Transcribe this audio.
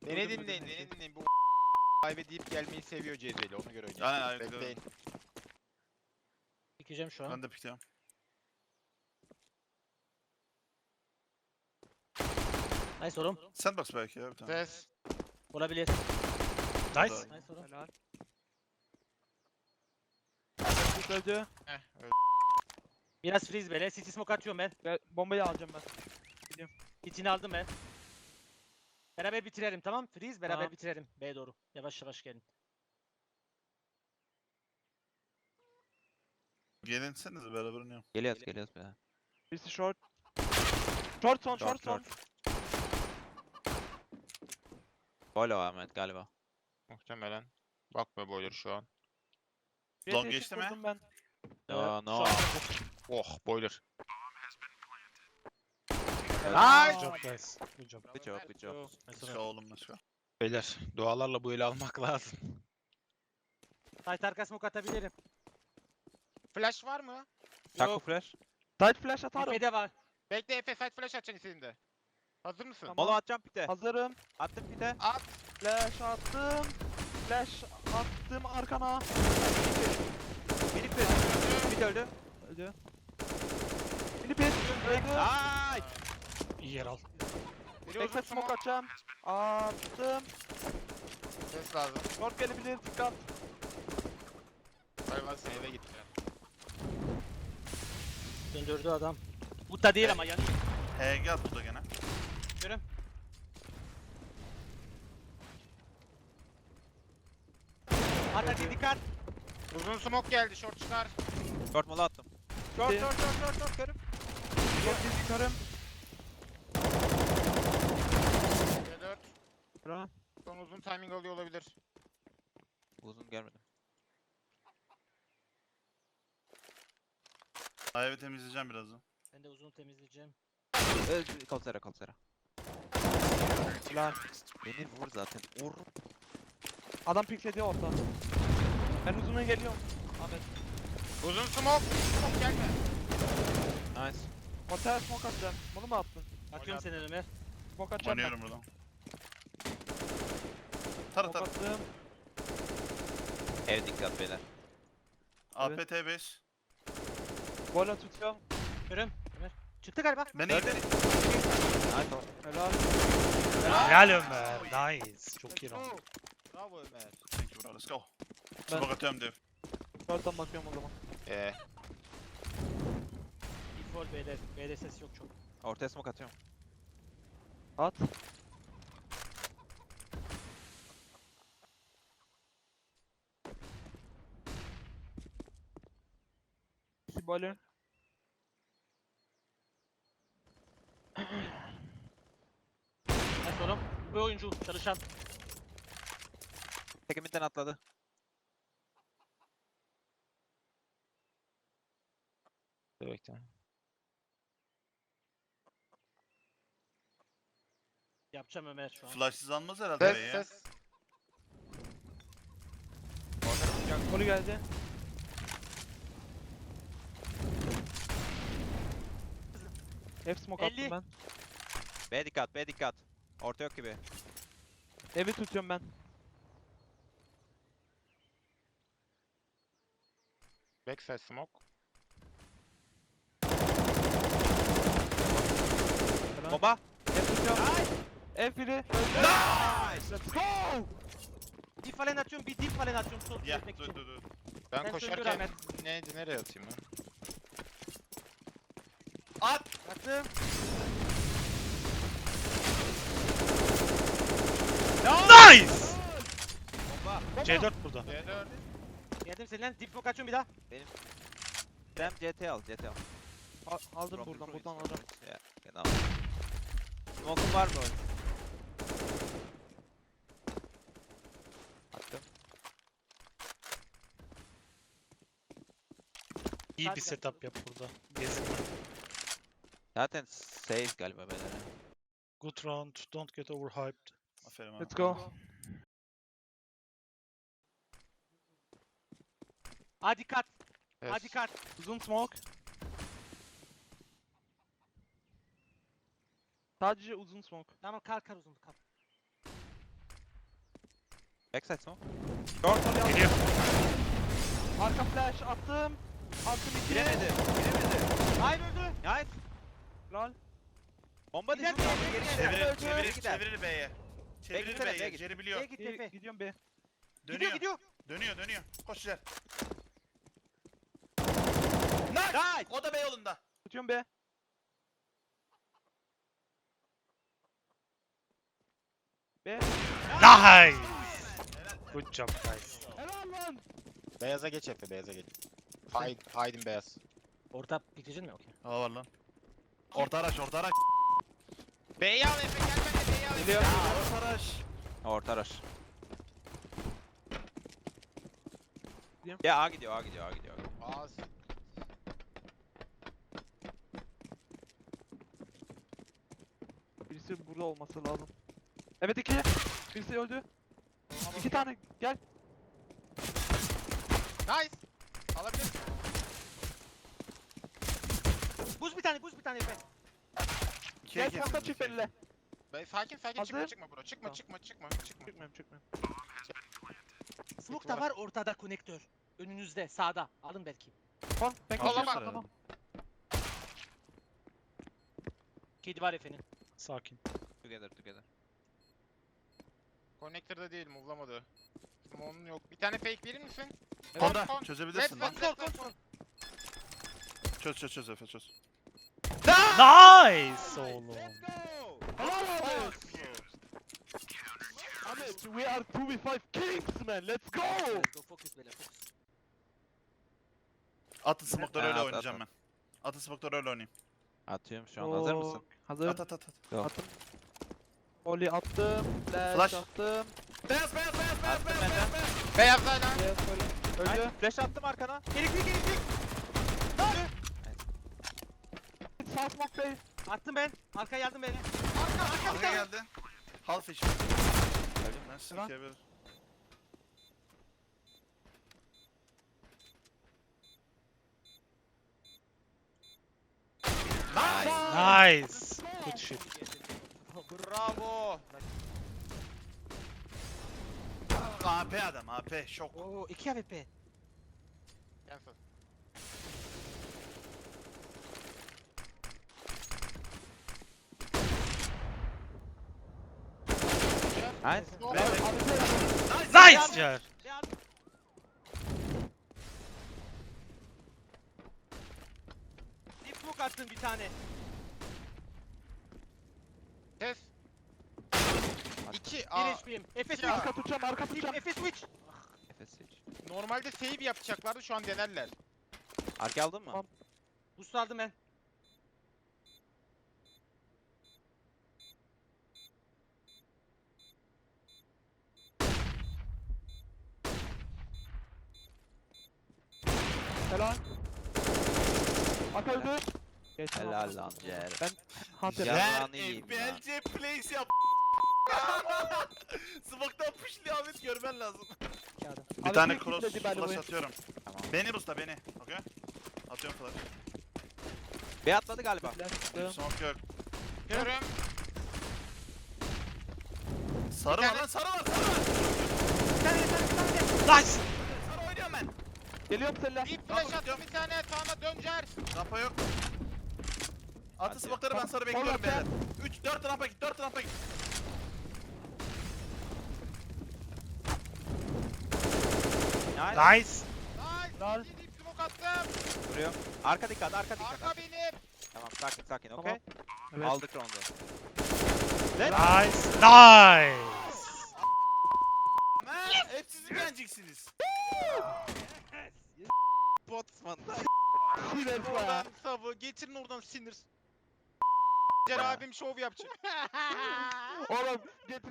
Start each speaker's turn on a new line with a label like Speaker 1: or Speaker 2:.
Speaker 1: Beni dinleyin. Bu kaybedip gelmeyi seviyor Cezeli. Ona göre oynayın.
Speaker 2: Aynen,
Speaker 1: Bekleyin.
Speaker 3: Pikeceğim şu an.
Speaker 2: Ben de pikliyorum.
Speaker 3: Nice oğlum.
Speaker 2: Sandbox belki ya bir tane.
Speaker 1: Ses.
Speaker 3: Olabilir.
Speaker 4: Nice.
Speaker 3: Nice oğlum.
Speaker 4: Helal. Çocuk öldü.
Speaker 1: Öyle.
Speaker 3: Biraz freeze böyle. City smoke atıyorum ben.
Speaker 4: Bombayı alacağım ben.
Speaker 3: Hitini aldım ben. Beraber bitirelim tamam? Freeze beraber
Speaker 4: Tamam.
Speaker 3: bitirelim. B'ye doğru. Yavaş yavaş gelin.
Speaker 2: Gelinsenize beraber oynayalım.
Speaker 5: Geliyoruz be.
Speaker 4: Birisi short. Short son.
Speaker 5: Gol o Ahmet galiba.
Speaker 1: Muhtemelen. Bakma boiler şu an.
Speaker 2: Long geçti mi?
Speaker 4: Vurdum ben.
Speaker 5: No no.
Speaker 1: Oh boiler.
Speaker 4: Nice.
Speaker 1: Nice.
Speaker 4: Good job guys. Good job.
Speaker 5: Good job.
Speaker 2: Let's go oğlum, let's go.
Speaker 1: Beyler dualarla bu eli almak lazım.
Speaker 3: Tight arka smoke atabilirim.
Speaker 1: Flash var mı?
Speaker 5: Taco flash.
Speaker 4: Side flash atarım.
Speaker 3: Epeyde var.
Speaker 1: Bekle Efe side flash atacaksın istediğinde. Hazır mısın?
Speaker 4: Tamam.
Speaker 5: Molo atacağım pite.
Speaker 4: Hazırım.
Speaker 5: Attım pite.
Speaker 1: At.
Speaker 4: Flash attım. Flash attım arkana.
Speaker 5: Minik bir. Pit öldü.
Speaker 4: Öldü. Mini pit. Öldü.
Speaker 5: Ay.
Speaker 4: İyi yer al.
Speaker 1: Biri uzun
Speaker 4: Backside smoke atacağım. Attım.
Speaker 1: Ses lazım.
Speaker 4: Short gelebilir. Dikkat.
Speaker 1: Hayvan sen eve gitti.
Speaker 3: Döndürdü adam. Bu da değil ama yani.
Speaker 2: HG at burada gene.
Speaker 3: Görüm. Hatta dikkat.
Speaker 1: Uzun smoke geldi short çıkar.
Speaker 5: Short molo attım.
Speaker 4: Short
Speaker 5: Körüm.
Speaker 4: Short biz yukarım.
Speaker 1: C4.
Speaker 4: Bra.
Speaker 1: Son uzun timing alıyor olabilir.
Speaker 5: Uzun gelmedi.
Speaker 2: Evi temizleyeceğim birazdan.
Speaker 3: Ben de uzun temizleyeceğim.
Speaker 5: Kalsera.
Speaker 4: Lan.
Speaker 5: Beni vur zaten. Vur.
Speaker 4: Adam pikledi orta. Ben uzuna geliyorum. Ahmet.
Speaker 1: Uzun smoke. Smoke gelme.
Speaker 5: Nice.
Speaker 4: Ortaya smoke atacağım. Bunu mu attın?
Speaker 3: Atıyorum seni Ömer.
Speaker 4: Smoke atacağım ben.
Speaker 2: Oynuyorum buradan. Tara
Speaker 4: Smoke
Speaker 2: tara.
Speaker 4: attım.
Speaker 5: Ev dikkat beyler.
Speaker 2: APT 5.
Speaker 4: Bola tutuyorum.
Speaker 3: Görüm. Ömer. Çıktı galiba.
Speaker 2: Beni iyi.
Speaker 5: Nice.
Speaker 4: Helal.
Speaker 6: Helal Ömer. Nice. Çok iyi round.
Speaker 1: Bravo Ömer.
Speaker 2: Thank you bro, let's go.
Speaker 4: Ben-
Speaker 2: Smoke atıyorum dev.
Speaker 4: Short'tan bakıyorum o zaman.
Speaker 3: Default B'de. B'de ses yok çok.
Speaker 5: Ortaya smoke atıyorum.
Speaker 4: At. Boiler.
Speaker 3: Nice oğlum. Bu oyuncu çalışan.
Speaker 5: Tekiminden atladı.
Speaker 1: Bekle.
Speaker 3: Yapacağım Ömer şu an.
Speaker 2: Flashsız almaz herhalde
Speaker 1: Ses
Speaker 2: B'yi ya.
Speaker 1: ses.
Speaker 4: Golü geldi. Hep smoke
Speaker 3: 50.
Speaker 4: attım ben.
Speaker 5: B dikkat. Orta yok gibi.
Speaker 4: Evi tutuyorum ben.
Speaker 1: Backside smoke.
Speaker 4: Helal.
Speaker 5: Bomba.
Speaker 4: Ev tutuyorum. Ev biri.
Speaker 5: Nice.
Speaker 4: Let's go.
Speaker 3: Dip falan atıyorum. Bir dip falan atıyorum. Sol
Speaker 2: Ya
Speaker 3: çekmek
Speaker 2: dur
Speaker 3: için.
Speaker 2: dur dur.
Speaker 1: Ben
Speaker 3: Sen
Speaker 1: koşarken
Speaker 3: söndür Ahmet.
Speaker 1: nereye atayım ben?
Speaker 3: Attım.
Speaker 6: Nice.
Speaker 5: Bomba.
Speaker 6: C4 burada.
Speaker 1: C4.
Speaker 3: Geldim senden. Dip smoke açıyorum bir daha.
Speaker 5: Dem CT al.
Speaker 4: Aldım
Speaker 5: From
Speaker 4: buradan
Speaker 5: the
Speaker 4: alacağım.
Speaker 5: ruins. Ya, genau. Smoke'un var mı? Attım.
Speaker 6: İyi bir setup yap burada. Gezinme.
Speaker 5: Zaten safe galiba beyler.
Speaker 6: Good round. Don't get overhyped.
Speaker 2: Aferin abi.
Speaker 4: Let's go.
Speaker 3: Hadi kat.
Speaker 1: Ses.
Speaker 3: Hadi kat.
Speaker 4: Uzun smoke. Sadece uzun smoke.
Speaker 3: Tamam kal uzun kal.
Speaker 5: Backside smoke.
Speaker 6: Geliyor.
Speaker 4: Arka flash attım. Attım 2.
Speaker 5: Giremedi. Giremedi.
Speaker 3: Hayır öldü.
Speaker 5: Nice.
Speaker 4: Lol.
Speaker 5: Bomba
Speaker 3: Gider,
Speaker 5: düştü.
Speaker 3: gider,
Speaker 5: Geri
Speaker 3: gider.
Speaker 5: gider.
Speaker 2: Çevirir,
Speaker 3: Öldü.
Speaker 2: çevirir,
Speaker 5: Gider.
Speaker 2: çevirir B'ye. Çevirir
Speaker 5: gitsene, B'ye
Speaker 2: B'ye.
Speaker 5: git.
Speaker 2: Jerry biliyor.
Speaker 3: Git Efe.
Speaker 4: Gidiyorum be.
Speaker 3: Gidiyor gidiyor.
Speaker 2: Dönüyor. Koş Jer.
Speaker 5: Nice.
Speaker 2: O da B yolunda.
Speaker 4: Tutuyorum be. Be.
Speaker 6: Nice. Good job guys.
Speaker 4: Helal lan.
Speaker 1: Beyaza geç Efe, beyaza geç. Haydin beyaz.
Speaker 3: Orta bitirecek mi? Okey.
Speaker 2: Hava var lan. Orta araç.
Speaker 1: B'yi al Efe, gel ben de B'yi alayım.
Speaker 4: Geliyor.
Speaker 2: Orta araç.
Speaker 5: Orta rush.
Speaker 4: Gidiyorum.
Speaker 5: Ya A gidiyor.
Speaker 1: Az.
Speaker 4: Birisi burada olması lazım. Evet 2. Birisi öldü. 2 tane. Gel.
Speaker 1: Nice. Alabilir.
Speaker 3: Buz bir tane Efe.
Speaker 4: Gel kanka çift elle.
Speaker 1: Sakin
Speaker 4: Hazır.
Speaker 1: çıkma bro. Çıkma.
Speaker 4: Çıkmıyorum.
Speaker 3: Smoke da var ortada konektör. Önünüzde sağda. Alın belki.
Speaker 4: Tamam. Ben
Speaker 1: Kollama.
Speaker 4: kaçıyorum. Tamam.
Speaker 3: Kedi var Efe'nin.
Speaker 6: Sakin.
Speaker 5: Together.
Speaker 1: Connector'da değil, move'lamadı. Smoke'un yok. Bir tane fake verir misin?
Speaker 2: Onda
Speaker 1: Kon.
Speaker 2: çözebilirsin lan.
Speaker 1: Let's.
Speaker 2: Çöz Efe çöz.
Speaker 6: Nice oğlum.
Speaker 4: Helal olsun. Ahmet, we are 2v5 kings man. Let's go.
Speaker 3: Let's go focus beyler focus.
Speaker 2: Atın smoke'ları
Speaker 5: Ha,
Speaker 2: öyle
Speaker 5: at,
Speaker 2: oynayacağım
Speaker 5: at.
Speaker 2: ben. Atın smoke'ları öyle oynayayım.
Speaker 5: Atıyorum şu an. Hazır mısın?
Speaker 4: Hazır.
Speaker 2: At.
Speaker 4: Attım. Oli attım. Flash,
Speaker 2: Flash.
Speaker 4: attım.
Speaker 2: Beyaz.
Speaker 5: Attım ben de.
Speaker 1: Beyaz hala.
Speaker 4: Yes, Oli. Öldü.
Speaker 5: Flash attım arkana.
Speaker 3: Elektrik.
Speaker 4: Sağ smoke bey.
Speaker 3: Attım ben. Arkaya yardım beni.
Speaker 2: Arka geldi. Half iş. Ben sikebilir.
Speaker 6: Nice. Good shit.
Speaker 1: Bravo.
Speaker 2: AP adam AP şok.
Speaker 3: Oo 2 AWP.
Speaker 1: Cancel.
Speaker 5: Nice.
Speaker 6: Nice Cer.
Speaker 3: Deep smoke attım bir tane.
Speaker 1: Kes. 2
Speaker 3: 1
Speaker 1: A.
Speaker 3: HP'yim. Efe
Speaker 1: Ya.
Speaker 3: switch.
Speaker 4: Arka tutacağım, arka tutacağım.
Speaker 3: Efe switch.
Speaker 5: Efes hiç.
Speaker 1: Normalde save yapacaklardı, şu an denerler.
Speaker 5: Arka aldın mı?
Speaker 4: Tamam.
Speaker 3: Boost aldım ben.
Speaker 4: Helal. Arka öldü. Geç
Speaker 5: Helal lan Cer.
Speaker 4: Ben Hunter.
Speaker 5: Ya.
Speaker 2: Ver
Speaker 5: Yalanı yiyeyim ya.
Speaker 2: FBLC plays yap. Smoke'tan pushluyor Ahmet görmen lazım. Bir
Speaker 4: Abi
Speaker 2: tane
Speaker 4: tek
Speaker 2: cross
Speaker 4: kitledi by the
Speaker 2: flash
Speaker 4: way.
Speaker 2: atıyorum.
Speaker 5: Tamam.
Speaker 2: Beni busta beni. Okey. Atıyorum flash.
Speaker 5: B atladı galiba.
Speaker 4: Flash attım.
Speaker 2: Smoke yok.
Speaker 1: Görüm.
Speaker 2: Sarı
Speaker 1: Bir
Speaker 2: var
Speaker 1: tane-
Speaker 2: lan sarı var.
Speaker 6: Nice.
Speaker 2: Sarı oynuyorum ben.
Speaker 4: Geliyorum seninle.
Speaker 1: Deep flash attım bir tane, sağına döncer.
Speaker 2: Rampa yok. Atın
Speaker 5: Hadi.
Speaker 2: smoke'ları ben sarı
Speaker 4: Sol
Speaker 2: bekliyorum
Speaker 4: rampa.
Speaker 2: beyler. 4 rampa git 4 rampa git.
Speaker 5: Nice.
Speaker 6: Nice.
Speaker 1: Nice.
Speaker 4: Lal.
Speaker 1: İki deep smoke attım.
Speaker 5: Vuruyor. Arka dikkat. Arka dikkat.
Speaker 1: Arka benim.
Speaker 5: Tamam sakin
Speaker 4: Tamam.
Speaker 5: okey.
Speaker 4: Evet.
Speaker 5: Aldık round'u.
Speaker 6: Nice. Nice.
Speaker 2: Hep siz beğeneceksiniz.
Speaker 1: Botsman.
Speaker 4: Sinir be.
Speaker 1: Oradan savı. Getirin oradan sinir. Cer abim şov yapacak.
Speaker 4: Oğlum getir.